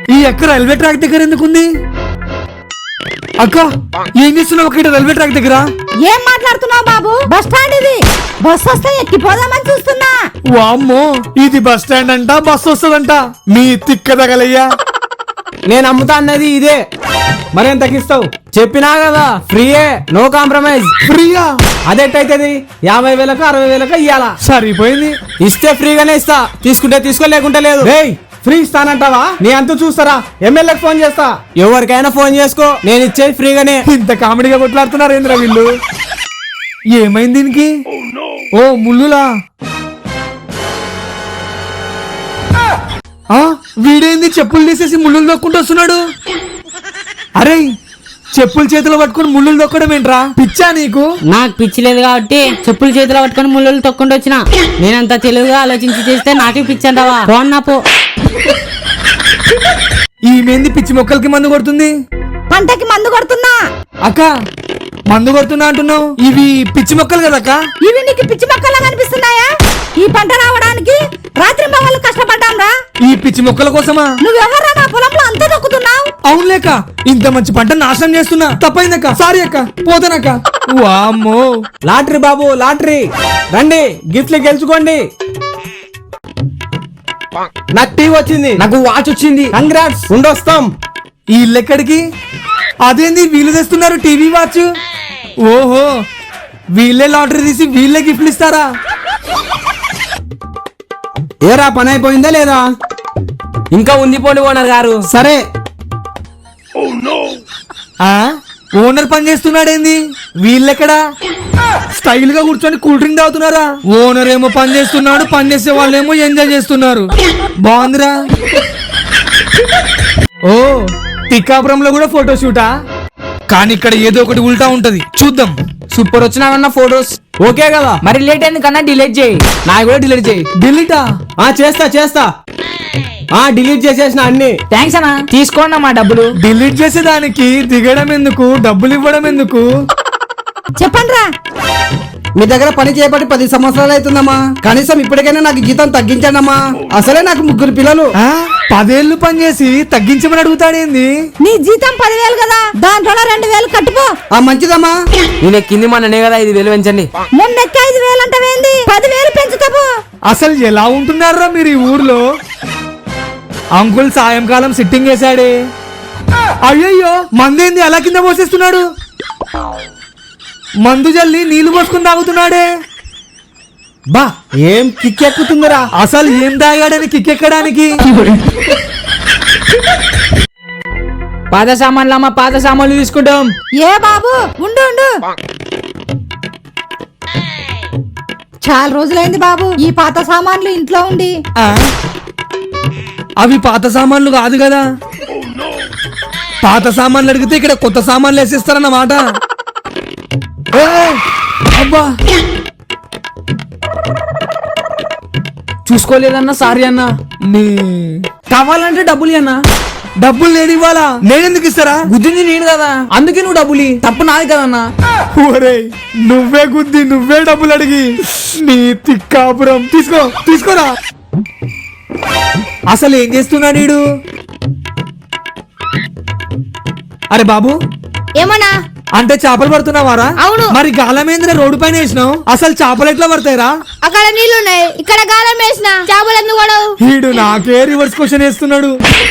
ఈ అక్క railway track దగ్గర ఎందుకుంది? అక్క ఏం చేస్తున్నావు అక్కడ రైల్వే ట్రాక్ దగ్గర? ఏం మాట్లాడుతున్నావు బాబు? బస్ స్టాండ్ ఇది. బస్ వస్తే ఎక్కిపోదామని చూస్తున్నా. వామ్మో, ఇది బస్ స్టాండ్ అంట, బస్ వస్తుందంట. మీ తిక్క తగలయ్యా. నేను అమ్ముతా అన్నది ఇదే, మరేం తగ్గిస్తావు? చెప్పినా కదా ఫ్రీయే, నో కాంప్రమైజ్. ఫ్రీయా? అదెట్టయితది? 50,000కు 60,000కు ఇయ్యాలా? సరిపోయింది. ఇస్తే ఫ్రీగానే ఇస్తా, తీసుకుంటే తీసుకో, లేకుంటే లేదు. ఫ్రీ ఇస్తానంటావా? నీ అంత చూస్తారా? ఎమ్మెల్యేకి ఫోన్ చేస్తా. ఎవరికైనా ఫోన్ చేసుకో, నేను ఇచ్చేది ఫ్రీగానే. ఇంత కామెడీగా కొట్లాడుతున్నారు ఏంద్రా వీళ్ళు? ఏమైంది దీనికి? ఓ ముల్లులా? వీడేంది చెప్పులు తీసేసి ముళ్ళులు దొక్కుంటూ వస్తున్నాడు? అరే, చెప్పులు చేతిలో పట్టుకుని ముళ్ళులు దొక్కడం ఏంట్రా? పిచ్చా నీకు? నాకు పిచ్చి లేదు కాబట్టి చెప్పులు చేతిలో పట్టుకుని ముళ్ళు తొక్కుంటూ వచ్చిన. నేనంత తెలివిగా ఆలోచించి చేస్తే నాకే పిచ్చి అంటావా? పోన్నా పో. ఈమెంది పిచ్చి మొక్కలకి మందు కొడుతుంది? పంటకి మందు కొడుతున్నా. అక్క మందు కొడుతున్నా అంటున్నావు, ఇవి పిచ్చి మొక్కలు కదక్క? ఇవి నీకు పిచ్చి మొక్కలా కనిపిస్తున్నాయా? ఈ పంట రావడానికి రాత్రి మగళ్ళు కష్టపడ్డాం రా. ఈ పిచ్చి మొక్కల కోసమా? నువ్వెవర్రా నా పొలంలో అంతా దొక్కుతున్నావు? అవునులేక, ఇంత మంచి పంట నాశనం చేస్తున్నా. తప్పైందక్క, సారీ అక్క, పోతానక్క. వామ్మో, లాటరీ బాబు, లాటరీ రండి, గిఫ్ట్లు గెలుచుకోండి. నాకు టీవీ వచ్చింది, నాకు వాచ్ వచ్చింది. కంగ్రాట్స్, ఉండొస్తాం. ఈ ఇల్లెక్కడికి? అదేంది వీళ్ళు తెస్తున్నారు టీవీ వాచ్? ఓహో, వీళ్ళే లాటరీ తీసి వీళ్ళే గిఫ్ట్లు ఇస్తారా? ఏరా, పని అయిపోయిందా లేదా? ఇంకా ఉంది పోండి ఓనర్ గారు. సరే. ఓనర్ పని చేస్తున్నాడేంది? వీళ్ళెక్కడా? స్టైల్ గా కూర్చొని కూల్ డ్రింక్ తాగుతున్నారా? ఓనర్ ఏమో పని చేస్తున్నాడు, పని చేసే వాళ్ళేమో ఎంజాయ్ చేస్తున్నారు. బాగుందిరా. ఓ, పికాపురంలో కూడా ఫోటో షూటా? కానీ ఇక్కడ ఏదో ఒకటి ఉల్టా ఉంటది, చూద్దాం. Super వచ్చినావన్న photos. ఓకే కదా, మరి లేట్ అయింది కన్నా డిలీట్ చేయి. నా కూడా డిలీట్ చేయి. డిలీటా? చేస్తా. డిలీట్ చేసేసిన అన్ని. థ్యాంక్స్ అన్నా, తీసుకోండి మా డబ్బులు. డిలీట్ చేసేదానికి దిగడం ఎందుకు, డబ్బులు ఇవ్వడం ఎందుకు? చెప్పండి రా. మీ దగ్గర పని చేయబట్టి 10 సంవత్సరాలు అవుతుందమ్మా. కనీసం ఇప్పటికైనా నాకు జీతం తగ్గించండి అమ్మా. అసలే నాకు 3 పిల్లలు. 10 ఏళ్ళు పని చేసి తగ్గించమని అడుగుతాడేంది? నీ జీతం 10,000 కదా, దాంట్లో 2,000 కట్టుకో. మంచిదమ్మా. నేను ఎక్కింది మొన్ననే కదా, 5,000 పెంచండి. మొన్నెక్క 5,000 అంటవేంది? 10,000 పెంచుతావు. అసలు ఎలా ఉంటున్నారా మీరు ఈ ఊర్లో? అంకుల్ సాయంకాలం సిట్టింగ్ వేసాడే. అయ్యయ్యో, మందేంది అలా కింద పోసేస్తున్నాడు? మందు జల్లి నీళ్లు పోసుకుని తాగుతున్నాడే. బా, ఏం కిక్కెక్కుతుందిరా. అసలు ఏం తాగాడని కిక్కెక్కడానికి? పాత సామాన్లు అమ్మా, పాత సామాన్లు తీసుకుంటాం. ఏ బాబు, ఉండు. చాలా రోజులైంది బాబు ఈ పాత సామాన్లు ఇంట్లో ఉండి. అవి పాత సామాన్లు కాదు కదా. పాత సామాన్లు అడిగితే ఇక్కడ కొత్త సామాన్లు వేసేస్తారన్నమాట. అబ్బా, చూసుకోలేదన్నా, సారీ అన్నా. కావాలంటే డబ్బులు అన్నా. డబ్బులు నేను ఇవ్వాలా? నేనెందుకు ఇస్తారా? గుద్దింది నేను కదా, అందుకే నువ్వు డబ్బులు. తప్పు నాది కదన్నా. ఒరేయ్, నువ్వే గుద్ది నువ్వే డబ్బులు అడిగి, నీ తిక్కాపురం. తీసుకోరా. అసలు ఏం చేస్తున్నాడు వీడు? అరే బాబు, ఏమన్నా అంటే చేపలు పడుతున్నావారా? అవును. మరి గాలమేంద్ర రోడ్డు పైన వేసినావు, అసలు చేపలు ఎట్లా పడతాయిరా? అక్కడ నీళ్లున్నాయి, ఇక్కడ గాలం వేసిన చేపలు ఎందుకు పడవు? వీడు నాకే రివర్స్ క్వశ్చన్ వేస్తున్నాడు.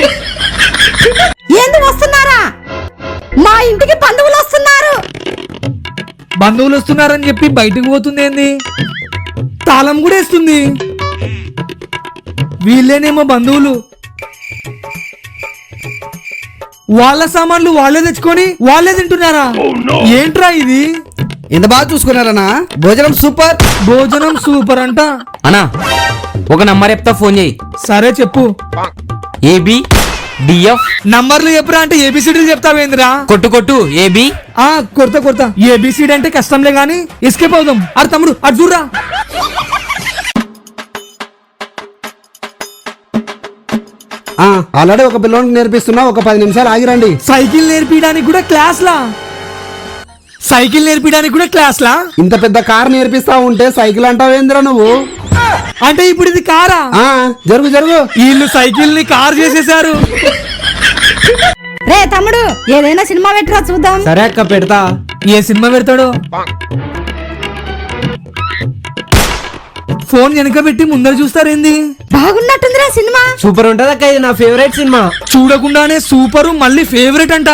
ఏంది వస్తున్నారా? మా ఇంటికి బంధువులు వస్తున్నారు. బంధువులు వస్తున్నారని చెప్పి బయటకు పోతుంది ఏంది? తాళం కూడా వేస్తుంది. వీళ్ళేనేమో బంధువులు. వాళ్ళ సామాన్లు వాళ్ళే తెచ్చుకొని వాళ్ళే తింటున్నారా? ఏంట్రా ఇది? ఎంత బాగా చూసుకున్నారన్నా. భోజనం సూపర్ అంట. అన్నా, ఒక నంబర్ చెప్తా, ఫోన్ చేయి. సరే చెప్పు. ABDF నంబర్లు చెప్పురా అంటే ఏబిసిడీలు చెప్తావేంద్రా? కొట్టు AB. కొడతా. ఏబిసిడి అంటే కష్టంలే గానీ ఎస్కేప్ అవుదాం. అరే తమ్ముడు, అటు చూడరా. ఆల్రెడీ ఒక పిల్లోనికి నేర్పిస్తున్నా, ఒక 10 నిమిషాలు ఆగిరండి. సైకిల్ నేర్పించడానికి కూడా క్లాస్లా? ఇంత పెద్ద కార్ నేర్పిస్తా ఉంటే సైకిల్ అంటావేంద్రా నువ్వు? అంటే ఇప్పుడు ఇది కారా? జరుగు. వీళ్ళు సైకిల్ ని కార్ చేసేసారు. రే తమ్ముడు ఏదైనా సినిమా పెట్టరా చూద్దాం. సరే అక్క పెడతా. ఏ సినిమా పెడతాడో. ఫోన్ వెనక పెట్టి ముందర చూస్తారేంది? బాగున్నట్టుందిరా సినిమా. సూపర్ ఉంటది అక్క, ఇది నా ఫేవరెట్ సినిమా. చూడకుండానే సూపరు మళ్ళీ ఫేవరెట్ అంట.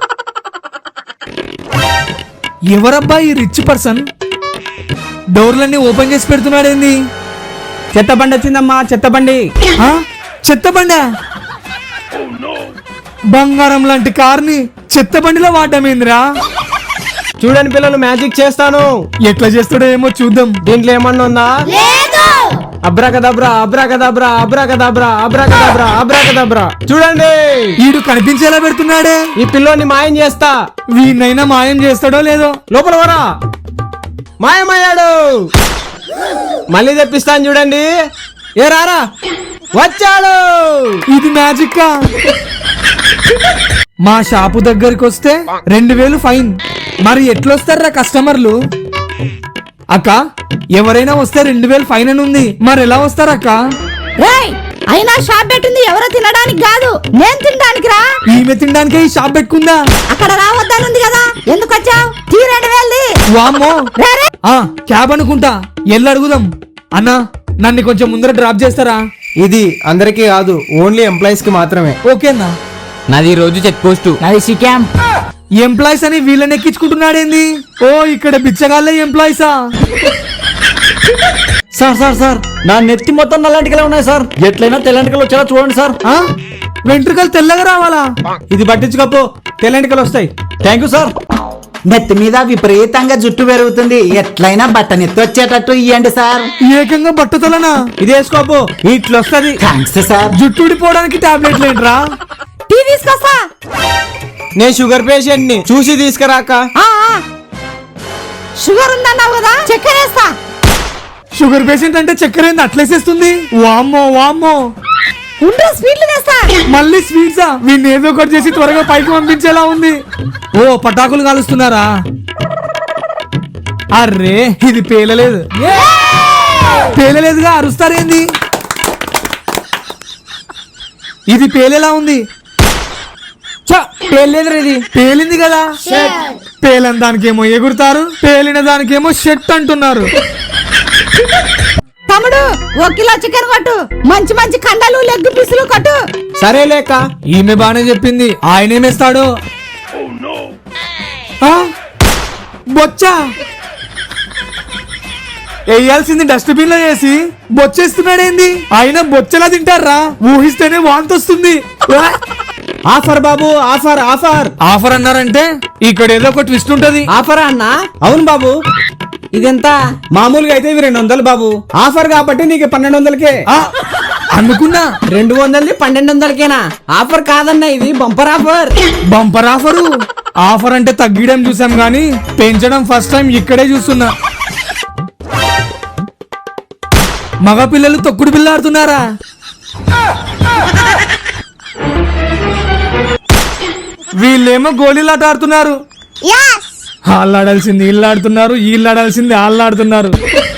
ఎవరబ్బా ఈ రిచ్ పర్సన్? డోర్లన్నీ ఓపెన్ చేసి పెడుతున్నాడేంది? చెత్త బండి వచ్చిందమ్మా, చెత్త బండి. ఆ? చెత్త బండా? బంగారం లాంటి కార్ని చెత్త బండిలో వాడమేందిరా? చూడండి పిల్లలు, మ్యాజిక్ చేస్తాను. ఎట్లా చేస్తాడో ఏమో చూద్దాం. దీంట్లో ఏమన్నా ఉందా? అబ్రాకదబ్రా అబ్రాకదబ్రా అబ్రాకదబ్రా అబ్రాకదబ్రా అబ్రాకదబ్రా. చూడండి, వీడు కనిపించేలా పెడుతున్నాడే. ఈ పిల్లోని మాయం చేస్తా. వీడినైనా మాయం చేస్తాడో లేదో. లోపల వరా, మాయమయ్యాడు. మళ్ళీ తెప్పిస్తాను చూడండి. ఏ రారా, వచ్చాడు. ఇది మ్యాజిక్. మా షాపు దగ్గరికి వస్తే 2000 ఫైన్. మరి ఎట్లొస్తారా కస్టమర్లు? అక్క, ఎవరైనా వస్తే 2000 ఫైన్ అని ఉంది. మరి ఎలా వస్తారక్క? రేయ్ అయినా షాప్ పెట్టింది ఎవరో తినడానికి కాదు, నేను తినడానికి రా. ఈమె తినడానికే ఈ షాప్ పెట్టుకుందా? అక్కడ రావద్దనుంది కదా, ఎందుకు వచ్చావు? తీ 2000. వామ్మో. రే రే. క్యాబ్ అనుకుంటా. ఎల్లు అడుగుదాం. అన్నా, నన్ను కొంచెం ముందర డ్రాప్ చేస్తారా? ఇది అందరికీ కాదు, ఓన్లీ ఎంప్లాయీస్ కి మాత్రమే. ఓకేనా? నాది ఈ రోజు చెక్ పోస్ట్. అది సిక్యాం. ఎంప్లాయీస్ అని వీళ్ళని ఎక్కించుకుంటున్నాడేంది? ఓ, ఇక్కడ బిచ్చగాళ్ళే ఎంప్లాయీసా? సార్ సార్ సార్, నా నెత్తి మొత్తం నల్లంటికలే ఉన్నాయి సార్. ఎట్లయినా తెల్లంటికలు వచ్చేలా చూడండి సార్. ఆ? వెంట్రుకలు తెల్లగా రావాలా? ఇది పట్టించుకోపో, తెల్లంటికలు వస్తాయి. Thank you sir. నెత్తి మీద విపరీతంగా జుట్టు పెరుగుతుంది, ఎట్లయినా బట్టనెత్తి వచ్చేటట్టు ఇయ్యండి సార్. ఏకంగా బట్టతలనా? ఇది వేసుకోపో, ఇట్లా వస్తుంది. Thanks sir. జుట్టు ఊడిపోవడానికి టాబ్లెట్లు ఏంట్రా? టీ తీసుకొస్తా. నేను షుగర్ పేషెంట్ ని, చూసి తీసుకురాక. ఆ, ఆ. షుగర్ ఉందన్నావు కదా, చక్కెర వేస్తా. షుగర్ పేషెంట్ అంటే చక్కెర ఏంది అట్లేసేస్తుంది? వామ్మో వామ్మో. ఉండ్రు స్వీట్లు తెస్తా. మళ్ళీ స్వీట్సా? వీడిని ఏదో ఒకటి చేసి త్వరగా పైకి పంపించేలా ఉంది. ఓ, పటాకులు కాలుస్తున్నారా? అర్రే, ఇది పేలలేదు. పేలలేదుగా, అరుస్తారేంది? ఇది పేలేలా ఉంది. పేర్లేదురా ఇది. పేలింది కదా. పేలని దానికేమో ఎగురుతారు, పేలిన దానికేమో షెట్ అంటున్నారు. తమ్ముడు 1 కిలో చికెన్ కొట్టు, మంచి మంచి కండలు లెగ్ పీసులు కొట్టు. సరే లేక. ఈమె బానే చెప్పింది. ఆయనేమేస్తాడు? బొచ్చా వేయాల్సింది డస్ట్బిన్ లో వేసి బొచ్చేస్తున్నాడేంది? ఆయన బొచ్చలా తింటారా? ఊహిస్తేనే వాంతొస్తుంది. ఆఫర్ బాబు, ఆఫర్ ఆఫర్. ఆఫర్ అన్నారంటే ఇక్కడ ఏదో ఒక ట్విస్ట్ ఉంటది. ఆఫరా అన్నా? అవును బాబు. ఇదెంత? మామూలుగా అయితే ఇవి 200 బాబు. ఆఫర్ కాబట్టి నీకు 1200కే. అనుకున్నా 200ది 1200కేనా? ఆఫర్ కాదన్నా, ఇది bumper offer. Bumper offer. Offer అంటే తగ్గడం చూసాం గానీ పెంచడం ఫస్ట్ టైం ఇక్కడే చూస్తున్నా. మగ పిల్లలు తొక్కుడు బిళ్ళ ఆడుతున్నారా? వీళ్ళేమో గోళీలాట ఆడుతున్నారు. వాళ్ళు ఆడాల్సింది వీళ్ళు ఆడుతున్నారు, వీళ్ళు ఆడాల్సింది వాళ్ళు ఆడుతున్నారు.